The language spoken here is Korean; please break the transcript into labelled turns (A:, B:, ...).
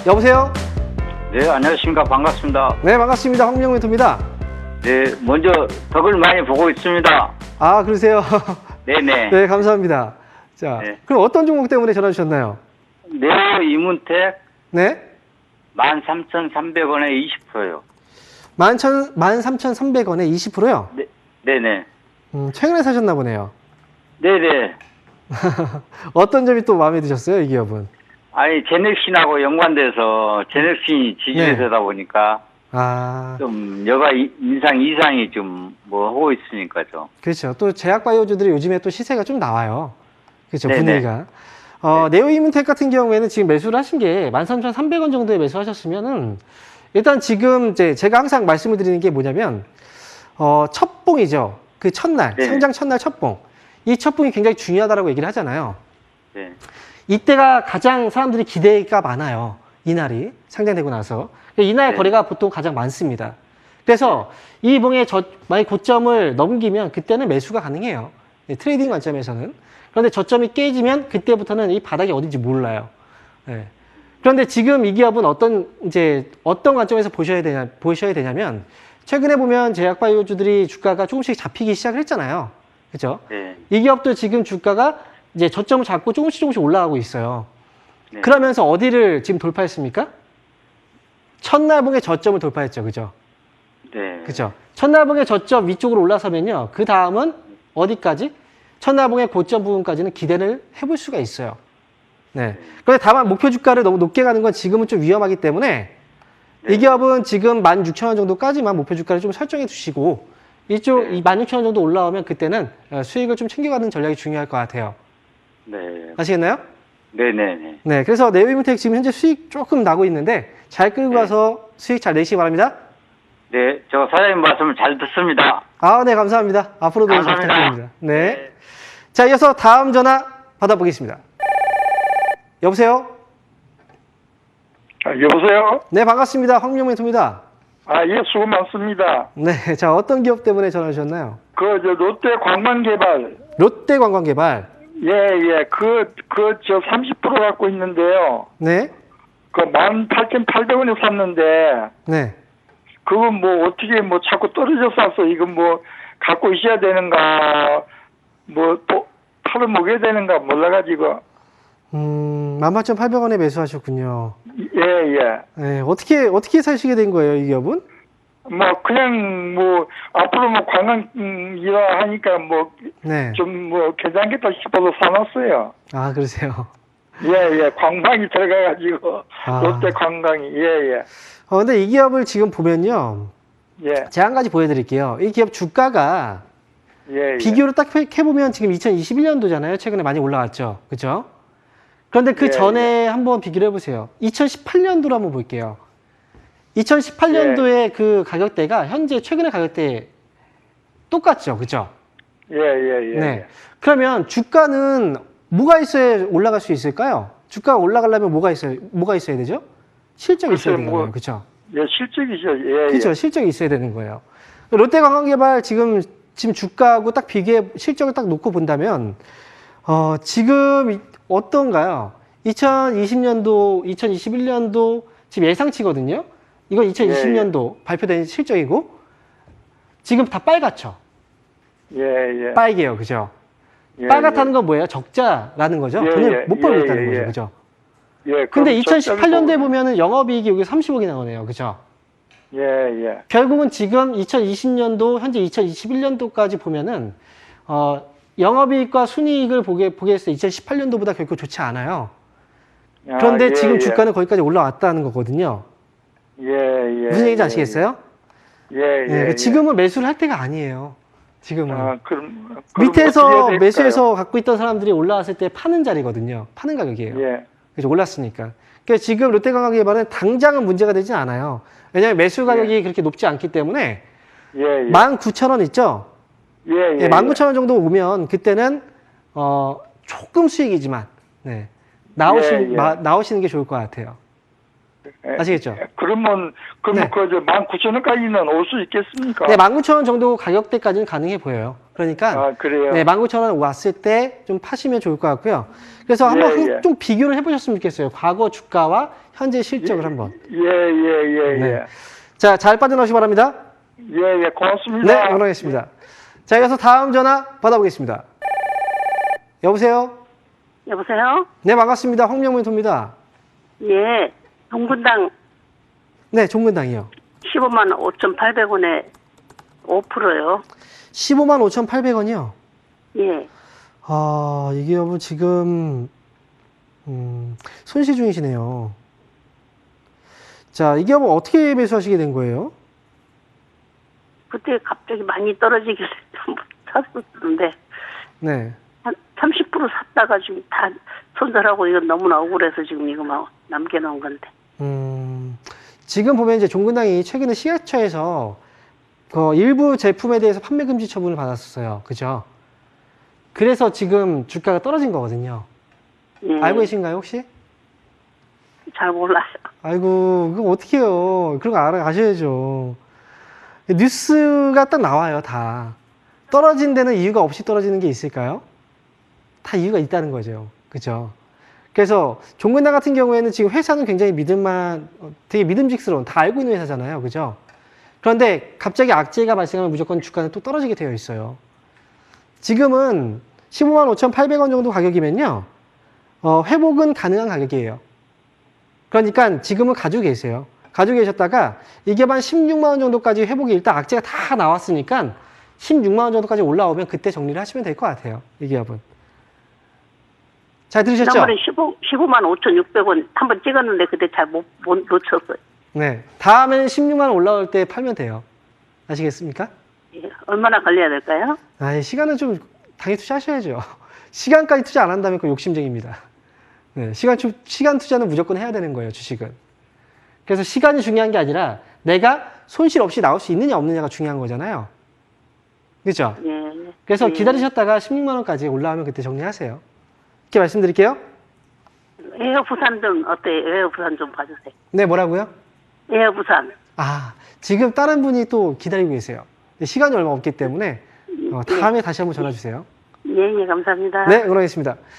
A: 여보세요?
B: 네, 안녕하십니까. 반갑습니다.
A: 네, 반갑습니다. 황민영 멘토입니다.
B: 네, 먼저 덕을 많이 보고 있습니다.
A: 아, 그러세요?
B: 네네.
A: 네, 감사합니다. 자,
B: 네.
A: 그럼 어떤 종목 때문에 전화 주셨나요?
B: 네오 이문택
A: 네?
B: 13,300원에 20%요.
A: 13,300원에 20%요?
B: 네, 네네.
A: 최근에 사셨나 보네요.
B: 네네.
A: 어떤 점이 또 마음에 드셨어요, 이 기업은?
B: 아니, 제넥신하고 연관돼서 제넥신이 지지세다 보니까
A: 아,
B: 좀 여가 인상 이상이 좀 뭐 하고 있으니까죠.
A: 그렇죠. 또 제약바이오주들이 요즘에 또 시세가 좀 나와요. 그렇죠,
B: 네네.
A: 분위기가. 네오이문텍 같은 경우에는 지금 매수를 하신 게 13,300원 정도에 매수하셨으면은 일단 지금 이제 제가 항상 말씀을 드리는 게 뭐냐면 첫봉이죠. 그 첫날,
B: 네.
A: 상장 첫날 첫봉. 이 첫봉이 굉장히 중요하다라고 얘기를 하잖아요.
B: 네.
A: 이때가 가장 사람들이 기대가 많아요. 이날이 상장되고 나서. 이날
B: 네.
A: 거래가 보통 가장 많습니다. 그래서 이 봉의 만약 고점을 넘기면 그때는 매수가 가능해요. 트레이딩 관점에서는. 그런데 저점이 깨지면 그때부터는 이 바닥이 어딘지 몰라요. 네. 그런데 지금 이 기업은 어떤 관점에서 보셔야 되냐면 최근에 보면 제약바이오주들이 주가가 조금씩 잡히기 시작을 했잖아요. 그죠?
B: 네.
A: 이 기업도 지금 주가가 이제 저점을 잡고 조금씩 올라가고 있어요.
B: 네.
A: 그러면서 어디를 지금 돌파했습니까? 첫날봉의 저점을 돌파했죠. 그죠?
B: 네.
A: 그죠? 첫날봉의 저점 위쪽으로 올라서면요. 그 다음은 어디까지? 첫날봉의 고점 부분까지는 기대를 해볼 수가 있어요. 네. 그런데 다만 목표 주가를 너무 높게 가는 건 지금은 좀 위험하기 때문에
B: 네.
A: 이 기업은 지금 16,000원 정도까지만 목표 주가를 좀 설정해 두시고 이쪽
B: 네.
A: 이 16,000원 정도 올라오면 그때는 수익을 좀 챙겨가는 전략이 중요할 것 같아요.
B: 네.
A: 아시겠나요?
B: 네네네.
A: 네. 그래서 네오이문텍 지금 현재 수익 조금 나고 있는데 잘 끌고
B: 네.
A: 가서 수익 잘 내시기 바랍니다.
B: 네, 저 사장님 말씀 잘 듣습니다.
A: 아, 네. 감사합니다. 앞으로도 잘
B: 감사합니다.
A: 부탁드립니다. 네. 자, 이어서 다음 전화 받아보겠습니다. 여보세요?
C: 여보세요?
A: 네, 반갑습니다. 황민영 멘토입니다.
C: 예, 수고 많습니다.
A: 네. 자, 어떤 기업 때문에 전화 주셨나요?
C: 롯데 관광개발.
A: 롯데관광개발.
C: 예. 30% 갖고 있는데요.
A: 네.
C: 18,800원에 샀는데,
A: 네.
C: 그건 뭐, 어떻게 자꾸 떨어져 샀어. 이건 갖고 있어야 되는가, 팔을 먹여야 되는가 몰라가지고.
A: 18,800원에 매수하셨군요.
C: 예.
A: 네. 어떻게 사시게 된 거예요, 이 기업은?
C: 그냥 앞으로 관광 일화 하니까
A: 네.
C: 좀 괜찮겠다 싶어서 사놨어요.
A: 아, 그러세요.
C: 예. 관광이 들어가가지고, 롯데 관광이, 예.
A: 근데 이 기업을 지금 보면요.
C: 예.
A: 제가 한 가지 보여드릴게요. 이 기업 주가가
C: 예.
A: 비교로 딱 해보면 지금 2021년도잖아요. 최근에 많이 올라왔죠. 그죠? 그런데 그
C: 예,
A: 전에 한번 비교를 해보세요. 2018년도로 한번 볼게요. 2018년도에 그 가격대가 현재 최근의 가격대 똑같죠. 그죠?
C: 예.
A: 네. 그러면 주가는 뭐가 있어야 올라갈 수 있을까요? 주가가 올라가려면 뭐가 있어야 되죠? 실적이 있어야 되는 거예요. 그죠?
C: 예, 실적이죠. 예.
A: 그렇죠. 실적이 있어야 되는 거예요. 롯데관광개발 지금 주가하고 딱 실적을 딱 놓고 본다면, 지금 어떤가요? 2020년도, 2021년도 지금 예상치거든요? 이건 2020년도 발표된 실적이고, 지금 다 빨갛죠?
C: 예.
A: 빨개요. 그죠? 빨갛다는 건 뭐예요? 적자라는 거죠? 돈을 못 벌고 있다는 거죠. 그죠?
C: 예.
A: 근데 2018년도에 보면은 영업이익이 여기 30억이 나오네요. 그죠?
C: 예.
A: 결국은 지금 2020년도, 현재 2021년도까지 보면은, 영업이익과 순이익을 보게 했을 때 2018년도보다 결코 좋지 않아요. 그런데 지금 주가는 거기까지 올라왔다는 거거든요.
C: 예.
A: 무슨 얘기인지 아시겠어요?
C: 예.
A: 지금은 매수를 할 때가 아니에요. 지금은.
C: 그럼
A: 밑에서
C: 어떻게 해야 될까요?
A: 매수해서 갖고 있던 사람들이 올라왔을 때 파는 자리거든요. 파는 가격이에요.
C: 예.
A: 그래서 올랐으니까. 그러니까 지금 롯데관광개발은 당장은 문제가 되진 않아요. 왜냐하면 매수 가격이 그렇게 높지 않기 때문에
C: 예.
A: 19,000원 있죠?
C: 예.
A: 19,000원 정도 오면 그때는 조금 수익이지만 나오시는 게 좋을 것 같아요. 아시겠죠?
C: 그러면
A: 네.
C: 그저 19,000원까지는 올 수 있겠습니까?
A: 네, 19,000원 정도 가격대까지는 가능해 보여요. 그러니까
C: 아, 그래요.
A: 네, 19,000원 왔을 때 좀 파시면 좋을 것 같고요. 그래서
C: 예,
A: 한번
C: 예.
A: 좀 비교를 해보셨으면 좋겠어요. 과거 주가와 현재 실적을 한번.
C: 예.
A: 네. 자, 잘 빠져나오시기 바랍니다.
C: 예, 고맙습니다.
A: 네, 응원하겠습니다. 자, 이어서 다음 전화 받아보겠습니다. 여보세요?
D: 여보세요?
A: 네, 반갑습니다. 황명문입니다.
D: 예, 동분당
A: 네, 종근당이요.
D: 15만 5,800원에 5%요.
A: 15만 5,800원이요.
D: 예,
A: 아, 이게 여보 지금 손실 중이시네요. 자, 이게 여보 어떻게 매수하시게 된 거예요?
D: 그때 갑자기 많이 떨어지길래 좀 샀었는데
A: 네.
D: 한 30% 샀다가 지금 다 손절하고 이건 너무나 억울해서 지금 이거 막 남겨놓은 건데.
A: 지금 보면 이제 종근당이 최근에 시가처에서 그 일부 제품에 대해서 판매 금지 처분을 받았었어요. 그죠? 그래서 지금 주가가 떨어진 거거든요.
D: 예,
A: 알고 계신가요, 혹시?
D: 잘 몰라요.
A: 아이고, 그거 어떻게 해요? 그런 거 아셔야죠. 뉴스가 딱 나와요, 다. 떨어진 데는 이유가 없이 떨어지는 게 있을까요? 다 이유가 있다는 거죠. 그죠? 그래서 종근당 같은 경우에는 지금 회사는 굉장히 되게 믿음직스러운, 다 알고 있는 회사잖아요. 그죠? 그런데 갑자기 악재가 발생하면 무조건 주가는 또 떨어지게 되어 있어요. 지금은 15만 5,800원 정도 가격이면요. 회복은 가능한 가격이에요. 그러니까 지금은 가지고 계세요. 가지고 계셨다가 이게 한 16만 원 정도까지 회복이 일단 악재가 다 나왔으니까 16만 원 정도까지 올라오면 그때 정리를 하시면 될 것 같아요. 이 기업은. 잘 들으셨죠?
D: 지난번에 15만 5,600원 한번 찍었는데 그때 잘 못 놓쳤어요.
A: 네. 다음에는 16만 원 올라올 때 팔면 돼요. 아시겠습니까?
D: 예, 얼마나 걸려야 될까요?
A: 아, 시간은 좀 당연히 투자하셔야죠. 시간까지 투자 안 한다면 그 욕심쟁입니다. 네, 시간 투자는 무조건 해야 되는 거예요, 주식은. 그래서 시간이 중요한 게 아니라 내가 손실 없이 나올 수 있느냐 없느냐가 중요한 거잖아요. 그렇죠?
D: 예.
A: 그래서
D: 예.
A: 기다리셨다가 16만 원까지 올라오면 그때 정리하세요. 이렇게 말씀드릴게요.
D: 에어 부산 좀 어때요? 에어 부산 좀 봐주세요.
A: 네, 뭐라고요?
D: 에어 부산.
A: 아, 지금 다른 분이 또 기다리고 계세요. 근데 시간이 얼마 없기 때문에 다음에 다시 한번 전화 주세요.
D: 예, 감사합니다.
A: 네, 응원하겠습니다.